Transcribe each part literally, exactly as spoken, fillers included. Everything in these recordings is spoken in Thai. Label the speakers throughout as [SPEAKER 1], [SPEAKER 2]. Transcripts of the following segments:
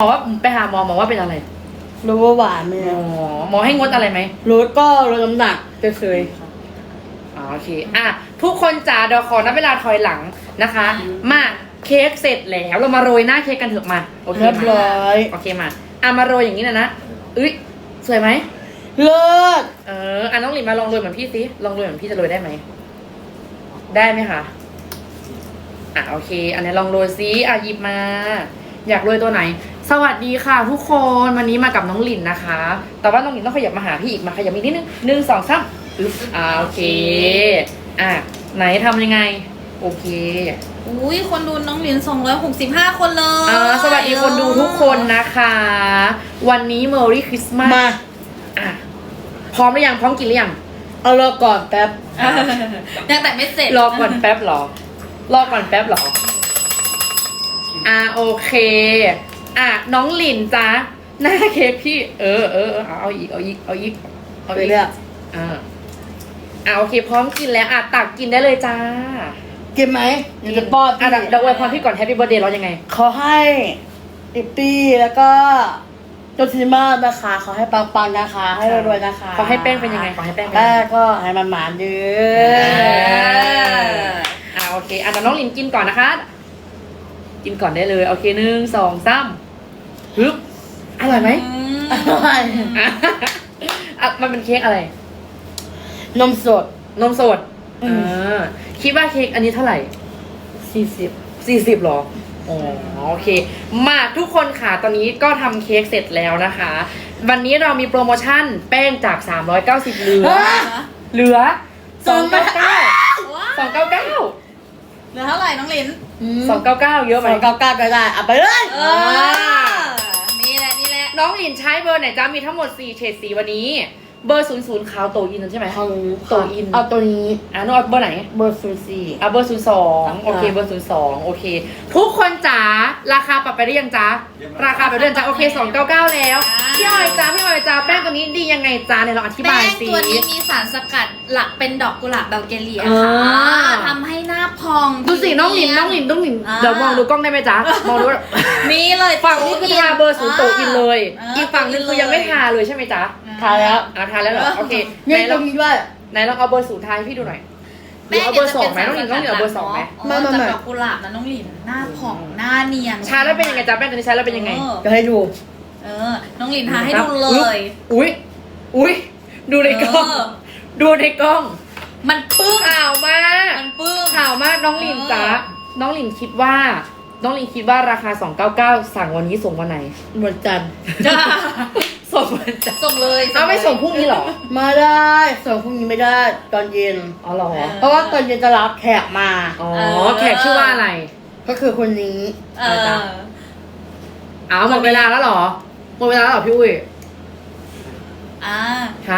[SPEAKER 1] หมอว่าไปหาหมอหมอว่าเป็นอะไร
[SPEAKER 2] รู้ว่าหวานไหม
[SPEAKER 1] หมอหมอให้งดอะไรไหม
[SPEAKER 2] ลดก็ลดน้ำหนักเคย
[SPEAKER 1] อ๋อโอเคอ่ะทุกคนจ๋าเดี๋ยวขอนับเวลาถอยหลังนะคะ มาเค้กเสร็จแล้วเรามาโรยหน้าเค้กกันเถอะมาโอเค
[SPEAKER 2] เรียบ
[SPEAKER 1] มา
[SPEAKER 2] ร้อย
[SPEAKER 1] โอเคมาอ่ะมาโรยอย่างนี้นะนะอุ้ยสวยไหม
[SPEAKER 2] เลิศ
[SPEAKER 1] เอออ่ะน้องหลินมาลองโรยเหมือนพี่สิลองโรยเหมือนพี่จะโรยได้ไหมได้ไหมคะอ่ะโอเค อันนี้ลองโรยซิอ่ะหยิบมา อยากโรยตัวไหน สวัสดีค่ะทุกคนวันนี้มากับน้องหลินนะคะ แต่ว่าน้องหลินต้องขยับมาหาพี่อีกมาขยับอีกนิดนึงหนึ่งสองสามอึ๊บอ่าโอเคอ่ะไหนทำยังไงโอเค
[SPEAKER 3] อุ้ยคนดูน้องหลินสองร้อยหกสิบห้าคนเลย
[SPEAKER 1] อ่าสวัสดีคนดูทุกคนนะคะ วันนี้ Merry Christmas
[SPEAKER 2] มา
[SPEAKER 1] อ่ะพร้อมหรือยังพร้อมกินหรือยัง
[SPEAKER 2] เอารอก่อนแป๊บ
[SPEAKER 3] ยังแต่ไม่เสร็จ
[SPEAKER 1] รอก่อนแป๊บเหรอ รอก่อนแป๊บเหรอ อ่าโอเค อ่ะน้องหลินจ้าหน้าเค้กพี่ เออเออเออเอาเอาอีกเอาอีกเอาอีกเอา
[SPEAKER 2] ไป
[SPEAKER 1] อีก
[SPEAKER 2] เรื่อย
[SPEAKER 1] อ่าอ่าโอเค พร้อมกินแล้วอ่ะตักกินได้เลยจ้า
[SPEAKER 2] กินไหมเดี๋ยวจะป้อน
[SPEAKER 1] อ่ะเดี๋ยวเดี๋ยวอวยพรพี่ก่อน Happy Birthday เรายังไง
[SPEAKER 2] ขอให้อิปปี้แล้วก็โจซิมานะคะขอให้ปังๆนะคะ ให้รวยๆนะคะ
[SPEAKER 1] ขอให้แป้งเป็นยังไงขอให้แป้งเป็นยัง
[SPEAKER 2] แป้
[SPEAKER 1] ไง
[SPEAKER 2] งก็ให้มันหมานๆเด้
[SPEAKER 1] เอ
[SPEAKER 2] อ
[SPEAKER 1] อ่าโอเคอ่ะเดี๋ยวน้องหลินกินก่อนนะคะ กินก่อนได้เลยโอเคหนึ่งสองสามฮึบอร่อยไหม
[SPEAKER 3] อืม
[SPEAKER 2] อร่อย
[SPEAKER 1] อ่ะอ่ะมันเป็นเค้กอะไร
[SPEAKER 2] นมสด
[SPEAKER 1] นมสด
[SPEAKER 2] อืม
[SPEAKER 1] อ่าคิดว่าเค้กอันนี้เท่าไหร่
[SPEAKER 2] สี่สิบ
[SPEAKER 1] สี่สิบหรออ๋อโอเค มาทุกคนค่ะตอนนี้ก็ทำเค้กเสร็จแล้วนะคะ วันนี้เรามีโปรโมชั่นแป้งจากสามร้อยเก้าสิบเหลือ เหลือสองเก้าเก้า
[SPEAKER 3] ว้า
[SPEAKER 1] สองเก้าเก้า
[SPEAKER 3] เหลือเท่าไหร่น้องหลิน
[SPEAKER 1] สองเก้าเก้าเยอะไห
[SPEAKER 2] ส
[SPEAKER 1] ม
[SPEAKER 2] องเก้าเก้าก็ได้เอาไปเลย
[SPEAKER 3] เออนี่แหละนี่แหละ
[SPEAKER 1] น้องหลินใช้เบอร์ไหนจ้ามีทั้งหมดสี่เฉดสีวันนี้ เบอร์ศูนย์ศูนย์ขาวโตอินใช่ไหม
[SPEAKER 2] เอา
[SPEAKER 1] โตอิน
[SPEAKER 2] เอาตัวนี้
[SPEAKER 1] อ่ะน้องเอาเบอร์ไหน
[SPEAKER 2] เบอร์ศูนย์สี่
[SPEAKER 1] อ่ะเบอร์ศูนย์สองโอเคเบอร์ศูนย์สองโอเค ทุกคนจ๋าราคาปรับไปได้ยังจ๊ะราคาไปได้ยังจ๊ะโอเคสองเก้าเก้าแล้วพี่ออยจ้าพี่ออยจ้าแป้งตัวนี้ดียังไงจ้าเนี่ยเราอธิบา
[SPEAKER 3] แป้
[SPEAKER 1] ย
[SPEAKER 3] ง
[SPEAKER 1] สิ
[SPEAKER 3] ตัวนี้มีสารสกัดหลักเป็นดอกกุหลาบเบลเกเรีย
[SPEAKER 1] อ่า
[SPEAKER 3] ค่ะทำให้หน้าพอง
[SPEAKER 1] ดูสิน้องหลินน้องหลินน้องหลิน
[SPEAKER 3] อ่า
[SPEAKER 1] เดี๋ยวมองดูกล้องได้ไหมจ๊ะมองดูว่า
[SPEAKER 3] นี่เลย
[SPEAKER 1] ฝั่งนี้คือทาเบอร์ศูนย์โตอินเลย
[SPEAKER 3] า
[SPEAKER 1] อีกฝั่งนึงคือยังไม่ทาเลยใช่ไหมจ๊ะ
[SPEAKER 2] ทาแล้ว
[SPEAKER 1] อ่ะทาแล้วเหรอโอเคไหน
[SPEAKER 2] นี่ต
[SPEAKER 1] ล
[SPEAKER 2] ร
[SPEAKER 1] อง
[SPEAKER 2] งนี้ด้วย
[SPEAKER 1] ไหนลองเอาเบอร์ศูนย์ทาให้พี่ดูหน่อยหรือ
[SPEAKER 3] แป้ง
[SPEAKER 1] เอาเบอร์สองไหมน้องหลินน้องหลินเอาเบอร์สองไหม
[SPEAKER 2] ไม่
[SPEAKER 3] ไม่
[SPEAKER 2] ไม่
[SPEAKER 3] ไม่
[SPEAKER 2] ไม่
[SPEAKER 3] ดอกกุหลาบนะน้องหลินหน้าผ่องหน้าเนียน
[SPEAKER 1] ทาแล้วเป็นยังไงจ๊ะแป้งตัวนี้ใช้แล้วเป็นยังไง
[SPEAKER 3] ออ
[SPEAKER 2] จะให้ดู
[SPEAKER 3] เออ น้องหลินทาให้ดูเลย
[SPEAKER 1] อุ้ยอุ้ยดูในกล้อง
[SPEAKER 3] เออ
[SPEAKER 1] ดูในกล้อง
[SPEAKER 3] มันปึ้ง
[SPEAKER 1] ข่าวมาก
[SPEAKER 3] มันปึ้ง
[SPEAKER 1] ข่าวมากน้องหลินจ๊ะ
[SPEAKER 3] เออ
[SPEAKER 1] น้องหลินคิดว่า น้องหลินคิดว่าราคาสองเก้าเก้าสั่งวันนี้ส่งวันไหน
[SPEAKER 2] วันจันทร์
[SPEAKER 3] จ้า
[SPEAKER 1] ส่งวันจันทร์
[SPEAKER 3] ส่งเลย
[SPEAKER 1] เอาไม่ส่งพรุ่งนี้เหรอ
[SPEAKER 2] มาได้ส่งพรุ่งนี้ไม่ได้ตอนเย็น
[SPEAKER 1] อ๋อเหรอ
[SPEAKER 2] เพราะว่าตอนเย็นจะรับแขกมา
[SPEAKER 1] อ๋อแขกชื่อว่าอะไร
[SPEAKER 2] ก็คือคนนี้
[SPEAKER 3] เออ
[SPEAKER 1] อ้าวหมดเวลาแล้วเหรอหมดเวลาแล้วเหรอพี่อุ้ย
[SPEAKER 3] อ่า
[SPEAKER 1] ฮะ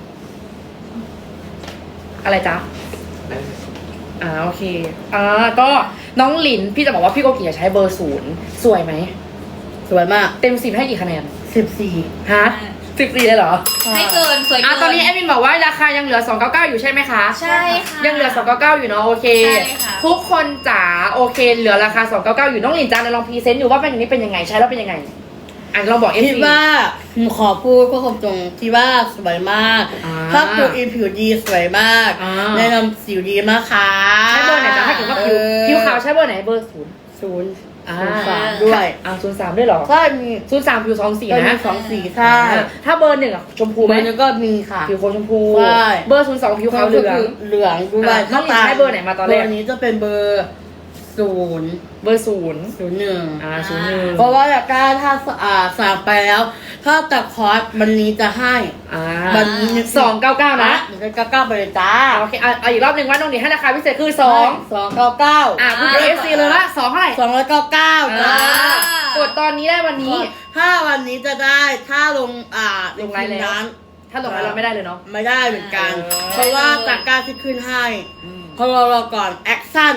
[SPEAKER 1] อะไรจ๊ะอ่าโอเคอ่าก็น้องหลินพี่จะบอกว่าพี่โกกิจะใช้เบอร์ศูนย์สวยไหม
[SPEAKER 2] สวยมาก
[SPEAKER 1] เต็มสิบให้กี่คะแนน
[SPEAKER 2] สิบสี่
[SPEAKER 1] ฮะสิบสี่เลยเหรอ
[SPEAKER 3] ให้เกินสวยเกิ
[SPEAKER 1] อ่ะตอนนี้แอดมินบอกว่าราคายังเหลือสองเก้าเก้าอยู่ใช่ไหมคะ
[SPEAKER 3] ใช่ค่ะ
[SPEAKER 1] ยังเหลือสองเก้าเก้าอยู่เนาะโอเค
[SPEAKER 3] ใช่ค่ะ
[SPEAKER 1] ทุกคนจ๋าโอเค เหลือราคาสองเก้าเก้าอยู่น้องหลินจ้าลองพรีเซนต์อยู่ว่าเป็นอย่างนี้เป็นยังไงใช้แล้วเป็นยังไงอ่ะลองบอกเอฟ
[SPEAKER 2] คิด
[SPEAKER 1] ซี
[SPEAKER 2] ว่าผมขอพูดก็คงตรงที่ว่าสวยมาก
[SPEAKER 1] อ่า
[SPEAKER 2] ถ้าตัวอินผิวดีสวยมาก
[SPEAKER 1] อ่า
[SPEAKER 2] แนะนำสิวดีมากค่ะ
[SPEAKER 1] ใช้เบอร์ไหนจ๊ะถ้าเกิดว่าผิวผิวขาวใช้เบอร์ไหนเบอร์ศูนย์
[SPEAKER 2] ศูนย์
[SPEAKER 1] อ่า
[SPEAKER 2] ศูนย์สามด้วย
[SPEAKER 1] อ่าศูนย์สามด้วยเหรอ
[SPEAKER 2] ก็มี
[SPEAKER 1] ศูนย์สามผิวสองสี
[SPEAKER 2] ก็มี
[SPEAKER 1] นะ
[SPEAKER 2] สองสีใช่
[SPEAKER 1] อ่าถ้าเบอร์หนึ่งอะชมพูไห
[SPEAKER 2] เบ
[SPEAKER 1] ม
[SPEAKER 2] อร์นึงก็มีค่ะ
[SPEAKER 1] ผิวโคชมพู
[SPEAKER 2] ใช่
[SPEAKER 1] เบอร์ศูนย์สองผิวขาวเหลือง
[SPEAKER 2] เหลืองด้วย
[SPEAKER 1] อ่ะน้องหลินใช้เบอร์ไหนมาตอนแรก
[SPEAKER 2] เบอร์นี้จะเป็นเบอร์ศูนย์
[SPEAKER 1] เบอร์ศูนย์
[SPEAKER 2] ศูนย์หนึ่ง
[SPEAKER 1] อ่าศูนย์หนึ่ง
[SPEAKER 2] เพราะว่าอยากได้ถ้าอ่าสั่งไปแล้ว ถ้าตัดคอร์สวันนี้จะให้
[SPEAKER 1] อ่า
[SPEAKER 2] วันนี้
[SPEAKER 1] สองเก้าเก้านะ
[SPEAKER 2] เดี๋ยวจะก้าวๆไปเลยจ้า
[SPEAKER 1] โอเคเอาเอาอีกรอบหนึ่งว่าน้องหลินให้ราคาพิเศษคือสอง
[SPEAKER 2] สองเก้าเก้า
[SPEAKER 1] อ่ะคุณเอฟซีเลยละสองเท่าไหร่
[SPEAKER 2] สองร้อยเก้าเก้า
[SPEAKER 1] อ่า
[SPEAKER 2] จ้าก
[SPEAKER 1] ดตอนนี้ได้วันนี้
[SPEAKER 2] ถ้าวันนี้จะได้ถ้าลงอ่า
[SPEAKER 1] ลงไลน์แล้ว
[SPEAKER 2] ร้าน
[SPEAKER 1] ถ้าลงไปเราไม่ได้เลยเนาะ
[SPEAKER 2] ไม่ได้เหมือนกัน
[SPEAKER 1] เออ
[SPEAKER 2] เพราะว่าจากการที่ขึ้นให้เขารอรอก่อนแอคชั่น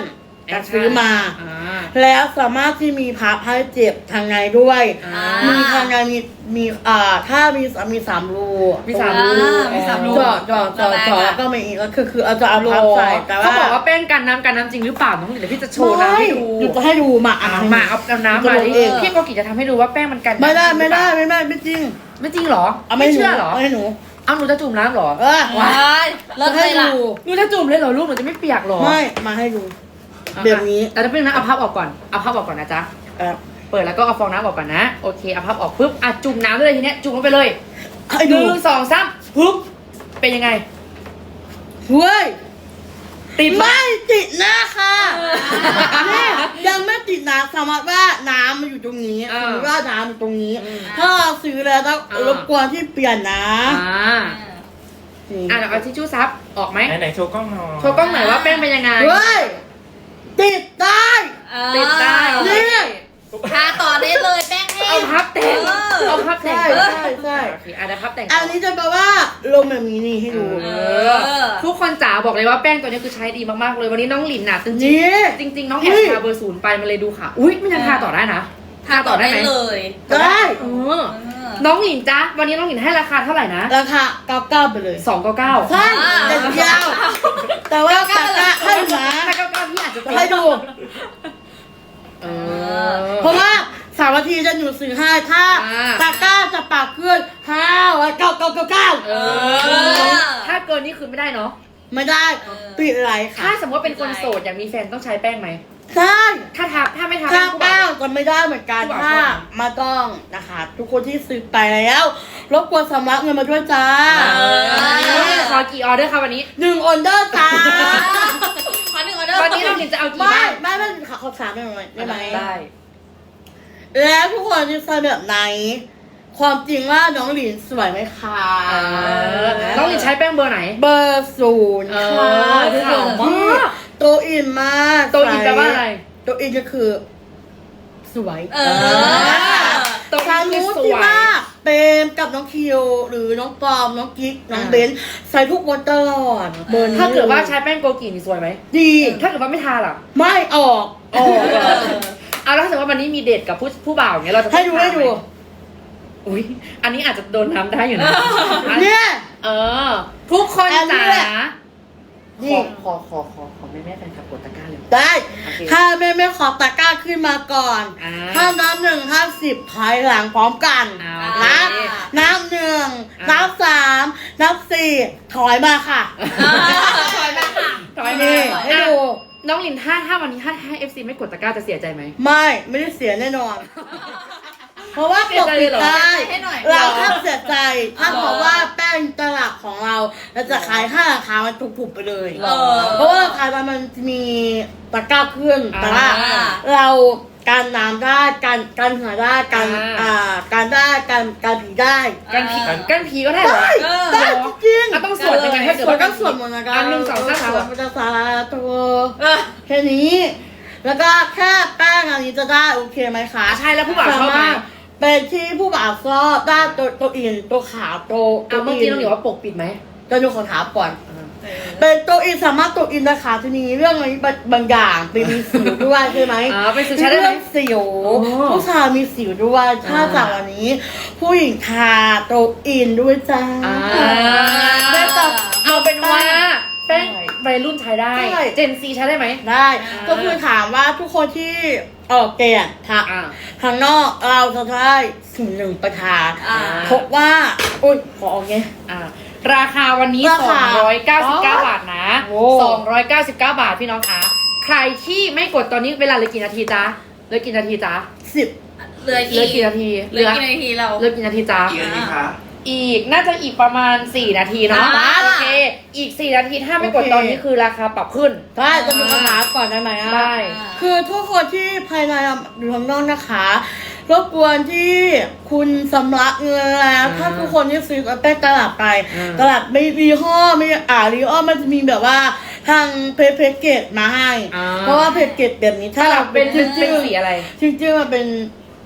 [SPEAKER 2] จะซื้อมา
[SPEAKER 1] อ่า
[SPEAKER 2] แล้วสามารถที่มีพับให้เจ็บทางในด้วย
[SPEAKER 1] อ่า
[SPEAKER 2] มีทางในมีมีอ่าถ้ามีมีสามรู
[SPEAKER 1] มีสามรู
[SPEAKER 3] อ่ามีสามรู
[SPEAKER 2] จอดจอดจอดจอดแล้วก็มีอีกก็คือคือเอาจะเอาพับใส่แต่ว่า
[SPEAKER 1] เขาบอกว่าแป้งกันน้ำกันน้ำจริงหรือเปล่าน้องหลินเดี๋ยวพี่จะโชว์น้ำให้ดู
[SPEAKER 2] หยุดจะให้ดูมา
[SPEAKER 1] อ่ะ
[SPEAKER 2] อ่ะ
[SPEAKER 1] มาเอาเอาน้ำมาดิ
[SPEAKER 2] เอง
[SPEAKER 1] พี่โกกิจะทำให้ดูว่าแป้งมันกัน
[SPEAKER 2] ไม่ได้
[SPEAKER 1] น้ำ
[SPEAKER 2] ไม่ได้
[SPEAKER 1] หรือเปล่า
[SPEAKER 2] ไม่ได้ไม่จริง
[SPEAKER 1] ไม่จริงเหรอ
[SPEAKER 2] เอา
[SPEAKER 1] ไม่
[SPEAKER 2] ไม่
[SPEAKER 1] เชื่อเหรอ
[SPEAKER 2] เอาให้หนู
[SPEAKER 1] เอาหนูจะจุ่มน้ำเหรอ
[SPEAKER 2] เออ
[SPEAKER 3] ว้ายเลิศ
[SPEAKER 2] จะ
[SPEAKER 3] เล
[SPEAKER 2] ให้
[SPEAKER 3] ยล่ะ
[SPEAKER 2] ดู
[SPEAKER 1] หนูจะจุ่มเลยเหรอลูกหนูจะไม่เปียกเหรอ
[SPEAKER 2] ไม่มาให้ดู
[SPEAKER 1] อ่ะ
[SPEAKER 2] แบบนี้
[SPEAKER 1] แต่จะเป็นนะเอาพับออกก่อนเอาพับออกก่อนนะจ๊ะ
[SPEAKER 2] เออ
[SPEAKER 1] เปิดแล้วก็เอาฟองน้ำออกก่อนนะโอเคเอาพับออกปุ๊บอ่ะจุ่มน้ำได้เลยทีเนี้ยจุ่มลงไปเลย
[SPEAKER 2] ให้
[SPEAKER 1] ห
[SPEAKER 2] ดู
[SPEAKER 1] นึ่งสองสามปุ๊บเป็นยังไง
[SPEAKER 2] เฮ้ย
[SPEAKER 1] ติดไหม
[SPEAKER 2] ไม่ติดหน้าค่ะเนี่ยยังไม่ติดนะสมมติว่าน้ำมันอยู่ตรงนี้สมมติว่าน้ำอยู่ตรงนี้ ถ้าเราซื้อแล้วต้องรบกวนที่เปลี่ยนนะ
[SPEAKER 1] อ่าอ่ะเดี๋ยวเอาทิชชู่ซับออกไหม
[SPEAKER 4] ไหนไหนๆโชว์กล้องหน่อย
[SPEAKER 1] โชว์กล้องหน่อยว่าแป้งเป็นยังไง
[SPEAKER 2] เฮ้ยติดได้
[SPEAKER 1] ติดได้
[SPEAKER 2] นี่
[SPEAKER 3] ทาต่อได้เลยแป้งแห้
[SPEAKER 1] เอา
[SPEAKER 3] ง
[SPEAKER 1] พับแต่ง
[SPEAKER 3] เออ
[SPEAKER 1] เอาพับแต่ง
[SPEAKER 2] ใช่ใช่ใช่
[SPEAKER 1] โอเคอ่ะเดี๋ยวพับแต่ง
[SPEAKER 2] อันนี้จะแปลว่าลมแบบนี้นี่ให้ดู
[SPEAKER 1] เออทุกคนจ๋าบอกเลยว่าแป้งตัวนี้คือใช้ดีมากๆเลยวันนี้น้องหลินน่ะจริง
[SPEAKER 2] นี่
[SPEAKER 1] ๆจริง ๆ น้องแอบทาเบอร์ศูนย์ไปมันเลยดูค่ะอุ้ยมันยังทาต่อได้นะ
[SPEAKER 3] ทาต่อได้เลย
[SPEAKER 2] ได้
[SPEAKER 1] เออน้องหลินจ๊ะวันนี้น้องหลินให้ราคาเท่าไหร่นะ
[SPEAKER 2] ราคาเก้าเก้าไปเลย
[SPEAKER 1] สองเก้าเก้า
[SPEAKER 2] ใช่แต่ยาว แต่ว่าตะกร้าให้นะ
[SPEAKER 1] ถ้าเก้าเก้าพี่อาจจะ
[SPEAKER 2] ให้ดู
[SPEAKER 1] เออ
[SPEAKER 2] เพราะว่าสามนาทีจะหนูซื้อให้ถ้า
[SPEAKER 1] อ่า
[SPEAKER 2] ตะกร้าจะปากขึ้นห้าวันเก้าเก้าเก้าเก้า
[SPEAKER 1] เออถ้าเกินนี่คือไม่ได้เนาะ
[SPEAKER 2] ไม่ได้ปิดไหลค่ะ
[SPEAKER 1] ถ้าสมมติว่าเป็นคนโสดอยากมีแฟนต้องใช้แป้งไหม
[SPEAKER 2] ใช่
[SPEAKER 1] ถ้าทาถ้าไม่ทา
[SPEAKER 2] ถ้า
[SPEAKER 1] ผู้บ่า
[SPEAKER 2] แป้
[SPEAKER 1] ว
[SPEAKER 2] งจะไม่ได้เหมือนกัน
[SPEAKER 1] ผู้บ่าว
[SPEAKER 2] ถ้ามาต้องนะคะ ทุกคนที่ซื้อไปแล้วรบกวนสำรับเงินมาด้วยจ้า
[SPEAKER 1] เออขอกี่ออเดอร์คะวันนี้
[SPEAKER 2] หนึ่งออเดอร์จ้า
[SPEAKER 3] ขอหนึ่งออเดอร์
[SPEAKER 1] วันนี้น้องหลินจะเอากี่
[SPEAKER 2] ไม่
[SPEAKER 1] บ้าน
[SPEAKER 2] ไม่ไม่ขอขอถามหน่อยได้ไหม
[SPEAKER 1] ได้
[SPEAKER 2] แล้วทุกคนจะใส่แบบไหน ความจริงว่าน้องหลินสวยไหมคะ
[SPEAKER 1] เออน้องหลินใช้แป้งเบอร์ไหน
[SPEAKER 2] เบอร์ศูนย์
[SPEAKER 1] เอ
[SPEAKER 2] ค่ะ
[SPEAKER 1] อ
[SPEAKER 2] ทุกคน
[SPEAKER 1] ขาวมาก
[SPEAKER 2] โตอินมาก
[SPEAKER 1] โตอินแปลว่าอะไร
[SPEAKER 2] โตอินก็คือ สวย
[SPEAKER 3] เออ
[SPEAKER 1] โตอิน
[SPEAKER 2] ทาง
[SPEAKER 1] คือ
[SPEAKER 2] นู้น
[SPEAKER 1] ส
[SPEAKER 2] ที่
[SPEAKER 1] วย
[SPEAKER 2] ว่าเปมกับน้องคิวหรือน้องปอมน้องกิ๊กน้อง
[SPEAKER 1] อ่า
[SPEAKER 2] เบนซ์ใส่ทุกวันตลอดเบอร์นี้
[SPEAKER 1] ถ้าเกิดว่าใช้แป้งโกกินี่สวยไหม
[SPEAKER 2] ดี
[SPEAKER 1] ถ้าเกิดว่าไม่ทาล่ะ
[SPEAKER 2] ไม่ออกออก
[SPEAKER 1] เอาแล้วถ้าสมมติว่าวันนี้มีเดทกับผู้ผู้บ่าวเนี้ยเราจะ
[SPEAKER 2] ให้ดู
[SPEAKER 1] ต้องทา
[SPEAKER 2] ให้ดู
[SPEAKER 1] ไมอุ้ยอันนี้อาจจะโดนน้ำได้อยู่นะ
[SPEAKER 2] เนี่ย
[SPEAKER 1] เออ ทุกคน
[SPEAKER 2] อันนี้
[SPEAKER 1] จ๋า
[SPEAKER 2] แหละ นี่
[SPEAKER 1] ขอขอขอขอขอแม่แม่แฟนคลับกดตะกร้าเลย
[SPEAKER 2] ได้
[SPEAKER 1] โอเค
[SPEAKER 2] ถ้าแม่ไม่ขอตะกร้าขึ้นมาก่อน
[SPEAKER 1] อ่า
[SPEAKER 2] ถ้านับหนึ่งห้าสิบถอยหลังพร้อมกัน
[SPEAKER 1] อ่า
[SPEAKER 2] นะ
[SPEAKER 1] โอเค
[SPEAKER 2] นับหนึ่ง
[SPEAKER 1] อ่านั
[SPEAKER 2] นับสามนับสี่ถอยมาค่ะ
[SPEAKER 3] ถอยมาค่ะ
[SPEAKER 1] ถอย
[SPEAKER 2] นี่
[SPEAKER 1] มา
[SPEAKER 2] ให้ดู
[SPEAKER 1] อ่ะน้องลินถ้าถ้าวันนี้ถ้าให้เอฟซีไม่กดตะกร้าจะเสียใจไหม
[SPEAKER 2] ไม่ไม่ได้เสียแน่นอน เพราะว่าปกปิดได้
[SPEAKER 3] ให้หน่อย
[SPEAKER 2] เราแค่เสียใจ ถ้าเพราะว่าแป้งตลับของเราเราจะขายค่าราคามันถูกๆไปเลย
[SPEAKER 3] เออ
[SPEAKER 2] เพราะว่าราคามันมีตะกร้าขึ้นแต่ว่า
[SPEAKER 3] อ่า
[SPEAKER 2] เราการน้ำได้การการเหงื่อได้การ
[SPEAKER 1] อ่า
[SPEAKER 2] อ่าการได้การการผีได้
[SPEAKER 1] กันผี
[SPEAKER 3] อ่า
[SPEAKER 1] กันผีก็ได้เหรอ
[SPEAKER 2] ได้
[SPEAKER 3] เออ
[SPEAKER 2] ได้จริง
[SPEAKER 1] อ่ะต้องสวดยังไงถ้าเกิด
[SPEAKER 2] สวด
[SPEAKER 1] ว่า
[SPEAKER 2] ก็สวดหมดนะคะ
[SPEAKER 1] อันหนึ่งสองสาม
[SPEAKER 2] ส
[SPEAKER 1] ส
[SPEAKER 2] ว
[SPEAKER 1] ว
[SPEAKER 2] ด
[SPEAKER 1] ด
[SPEAKER 2] มันจะสาตัว
[SPEAKER 3] เออ
[SPEAKER 2] แค่นี้ แล้วก็แค่แป้งอันนี้จะได้โอเคไหมคะ
[SPEAKER 1] อ่ะใช่แล้วผู้บ่าวชอบไหม
[SPEAKER 2] สามารถเป็นที่ผู้บ่าวชอบได้ตัวตัวอินตัวขาวตัวตั
[SPEAKER 1] เอา
[SPEAKER 2] ว
[SPEAKER 1] เมื่อ
[SPEAKER 2] อิ
[SPEAKER 1] กี้
[SPEAKER 2] น
[SPEAKER 1] น้องหลินว่าปกปิดไหม
[SPEAKER 2] จะดูของถามก่อน เป็นตัวอินสามารถตัวอินนะคะทีนี้เรื่องอะไรบางบางอย่างเป็นมีสิวด้วยใช่ไหม
[SPEAKER 1] อ่าเป็นสิวใช้ได้ไหม
[SPEAKER 2] เรื่องสิว
[SPEAKER 1] อ๋อ
[SPEAKER 2] ผู้ชายมีสิวด้วยถ้า
[SPEAKER 1] อ่า
[SPEAKER 2] จากวันนี้ ผู้หญิงทาตัวอินด้วยจ้า
[SPEAKER 1] อ่า
[SPEAKER 2] ได้ต่อ
[SPEAKER 1] เอาเป็นว่าแป้ง
[SPEAKER 2] ใช่
[SPEAKER 1] วัยรุ่นใช้ได้
[SPEAKER 2] ใช่
[SPEAKER 1] เจนซีใช้ได้ไหม
[SPEAKER 2] ได้
[SPEAKER 1] อ่า
[SPEAKER 2] ก็คือถามว่าทุกคนที่ออกเกณฑ์ทา
[SPEAKER 1] อ่า
[SPEAKER 2] ทางนอกเราจะได้ศูนย์หนึ่งประทาน
[SPEAKER 3] อ่า
[SPEAKER 2] พบว่าอุ้ยขอเอาไง
[SPEAKER 1] อ่าราคาวันนี้
[SPEAKER 2] ราคา
[SPEAKER 1] สองร้อยเก้าสิบเก้า
[SPEAKER 2] อ๋อ
[SPEAKER 1] บาทนะ
[SPEAKER 2] โอ้
[SPEAKER 1] สองร้อยเก้าสิบเก้าบาทพี่น้องคะใครที่ไม่กดตอนนี้เวลาเหลือกี่นาทีจ๊ะเหลือกี่นาทีจ๊ะ
[SPEAKER 2] สิบ
[SPEAKER 3] เหลือ
[SPEAKER 1] เหลือกี่นาที
[SPEAKER 3] เหลือกี่นาทีเรา
[SPEAKER 1] เหลือกี่นาทีจ๊ะ
[SPEAKER 4] กี่นาทีคะ
[SPEAKER 1] อีกน่าจะอีกประมาณสี่นาทีเนาะ
[SPEAKER 3] อ่า
[SPEAKER 1] โอเค อีกสี่นาทีถ้าไม่กด
[SPEAKER 2] โอเค
[SPEAKER 1] ตอนนี้คือราคาปรับขึ้น
[SPEAKER 2] ได้จะมีคำถามก่อนได้ไหมอ่ะ
[SPEAKER 1] ได้
[SPEAKER 2] คือทุกคนที่ภายในอยู่ข้างนอกนะคะรบกวนที่คุณสำลักเงินแล้ว
[SPEAKER 1] อ่า
[SPEAKER 2] ถ้าทุกคนที่ซื้อแป้งตลาดไป
[SPEAKER 1] อ่า
[SPEAKER 2] ตลาดไม่รีห่อไม่อ่ารีห่อมันจะมีแบบว่าทางเพจเพจเกตมาให้
[SPEAKER 1] อ่า
[SPEAKER 2] เพราะว่าเพจเกตแบบนี้
[SPEAKER 1] ถ้า
[SPEAKER 2] ถ้า
[SPEAKER 1] เรา
[SPEAKER 2] เรา
[SPEAKER 1] เป็น
[SPEAKER 2] จริง
[SPEAKER 1] เป็นสีอะไร
[SPEAKER 2] จริงจริงๆมันเป็น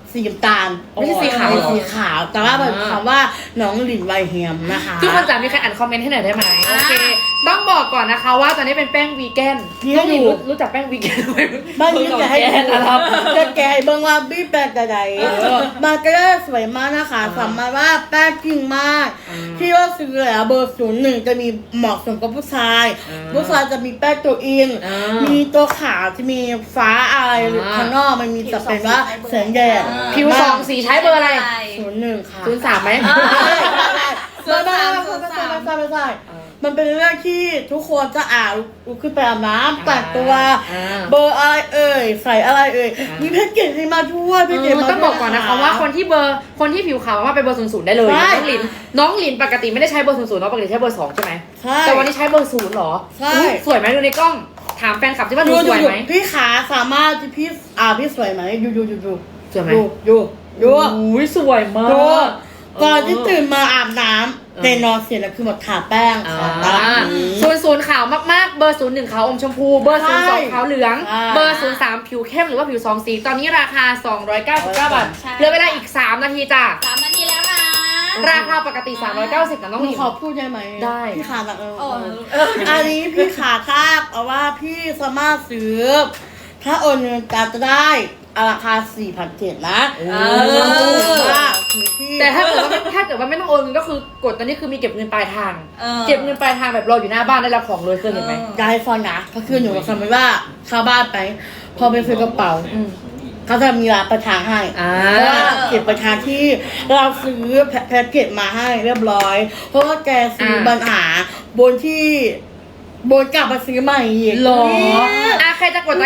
[SPEAKER 2] สีน้ำตาล
[SPEAKER 1] ไม่ใช่สีขาวเหรอ
[SPEAKER 2] สีขาว แต่ว่าแบบ
[SPEAKER 1] อ่า
[SPEAKER 2] คำว่าน้องหลินไวเฮียมนะคะ
[SPEAKER 1] ทุกคนจ๋ามีใครอ่านคอมเมนต์ให้หน่อยได้ไหมโอเค ต้องบอกก่อนนะคะว่าตอนนี้เป็นแป้งวีแกน
[SPEAKER 2] นี่
[SPEAKER 1] น้องหลิน
[SPEAKER 2] อยู่
[SPEAKER 1] รู้รู้จักแป้งวีแกนไหม
[SPEAKER 2] บ้านนี้จะให้
[SPEAKER 1] แกนนะครับ
[SPEAKER 2] จะแกะเบิ่งว่าบี้แป้งแต่ใด
[SPEAKER 1] เออ
[SPEAKER 2] มาก็ได้สวยมากนะคะ
[SPEAKER 1] อ่า
[SPEAKER 2] สามารถว่าแป้งจริงมาก
[SPEAKER 1] อ่า
[SPEAKER 2] ที่ว่าซื้อแล้วเบอร์ศูนย์หนึ่งจะมีเหมาะสมกับผู้ชาย
[SPEAKER 1] อ่า
[SPEAKER 2] ผู้ชายจะมีแป้งตัวเอง
[SPEAKER 1] อ่ามี
[SPEAKER 2] มีตัวขาวจะมีฟ้าอะไร
[SPEAKER 1] อ่า
[SPEAKER 2] ข้างนอกมันมีแต่เป็นว่าแสงแดด
[SPEAKER 1] ผิวสองสีใช้เบอร์อะไร
[SPEAKER 2] ศูนย์หนึ่งค่ะ
[SPEAKER 1] ศูนย์สามไหม
[SPEAKER 3] อ่า
[SPEAKER 2] ไม่ไม่ไม่ไม่ไม่ไม่ไม่ไม่ไม่ไม่มันเป็นเรื่องที่ทุกคนจะอ่านลุกขึ้นไปอาบน้ำแต่งตัว
[SPEAKER 1] อ่า
[SPEAKER 2] เบอร์อะไรเอ่ยใส่อะไรเอ่ย
[SPEAKER 1] อ่ามี
[SPEAKER 2] มีแพ็กเกจให้มาด้วยแพ็กเกจ
[SPEAKER 1] เออ
[SPEAKER 2] มา
[SPEAKER 1] ต้องบอกก่อนนะคะว่าคนที่เบอร์คนที่ผิวขาวว่าเป็นเบอร์ศูนย์ศูนย์ได้เลย
[SPEAKER 2] ใช่
[SPEAKER 1] น้องหลินน้องหลินปกติไม่ได้ใช้เบอร์ศูนย์ศูนย์เนาะปกติใช้เบอร์สองใช่ไหม
[SPEAKER 2] ใช่
[SPEAKER 1] แต่วันนี้ใช้เบอร์ศูนย์เหรอ
[SPEAKER 2] ใช่
[SPEAKER 1] อุ๊ยสวยไหมดูในกล้อง ถามแฟนคลับที่ว่าดู
[SPEAKER 2] ดู
[SPEAKER 1] ส
[SPEAKER 2] ดู
[SPEAKER 1] วย
[SPEAKER 2] ดู
[SPEAKER 1] ไหม
[SPEAKER 2] พี่ขาสามารถที่พี่อ่าพี่สวยไหมดูดูดูดู
[SPEAKER 1] สวยไหม
[SPEAKER 2] ดูดูดู
[SPEAKER 1] อุ้ยสวยมา
[SPEAKER 2] ดู
[SPEAKER 1] ก
[SPEAKER 2] ก่อนที่ตื่นมาอาบน้ำ
[SPEAKER 1] เออ
[SPEAKER 2] เตนอนเสร็จแล้วคือหมดทาแป้ง
[SPEAKER 1] อ่า
[SPEAKER 2] ขอตลาดนี้
[SPEAKER 1] ศูนย์ศูนย์ขาวมากๆ เบอร์ศูนย์หนึ่งขาวอมชมพู เบอร์ศูนย์สองขาวเหลือง
[SPEAKER 2] ใช่
[SPEAKER 1] เบอร์ศูนย์สามผิวเข้มหรือว่าผิวสองสี ตอนนี้ราคา สองร้อยเก้าสิบเก้า บาท
[SPEAKER 3] ใช่
[SPEAKER 1] เหลือเวลาอีก สาม นาทีจ้ะ
[SPEAKER 3] สามนาทีแล้วนะ
[SPEAKER 1] ราคาปกติ สามร้อยเก้าสิบนะน้อง
[SPEAKER 2] ห
[SPEAKER 1] ห
[SPEAKER 2] นู
[SPEAKER 1] ลิน
[SPEAKER 2] ขอพูดได้ไหม
[SPEAKER 1] ได้
[SPEAKER 2] พี่ขาแบบเออ
[SPEAKER 3] โอ้
[SPEAKER 2] เอออันนี้พี่ขาคาบเอาว่าพี่สามารถซื้อ ถ้าโอนเงินการจะได้ราคา สี่พันเจ็ดร้อย นะ
[SPEAKER 1] โอ้
[SPEAKER 3] เออ
[SPEAKER 2] ว่าคือพี่
[SPEAKER 1] แต่ถ้าเกิดว่าไม่ถ้าเกิดว่าไม่ต้องโอนเงินก็คือกดตอนนี้คือมีเก็บเงินปลายทาง
[SPEAKER 3] ออ
[SPEAKER 1] เก็บเงินปลายทางแบบรออยู่หน้าบ้านได้รับของเลยเคยเห็นไหม
[SPEAKER 3] เออ
[SPEAKER 2] จะให้ฟังนะก็คือหนูสมมติว่าเข้าบ้านไป พอไปซื้อกระเป๋า
[SPEAKER 1] อืม
[SPEAKER 2] เขาจะมีร้านประทางให้
[SPEAKER 1] อ่า
[SPEAKER 2] เพราะว่าเก็บประทางที่เราซื้อแพแพ็กเกจมาให้เรียบร้อย เพราะว่าแกซื้อปัญหาบนที่บนกลับมาซื้อใหม่อีก
[SPEAKER 1] หรอ
[SPEAKER 2] เนี่ย
[SPEAKER 1] อ่ะใครจะกดตะ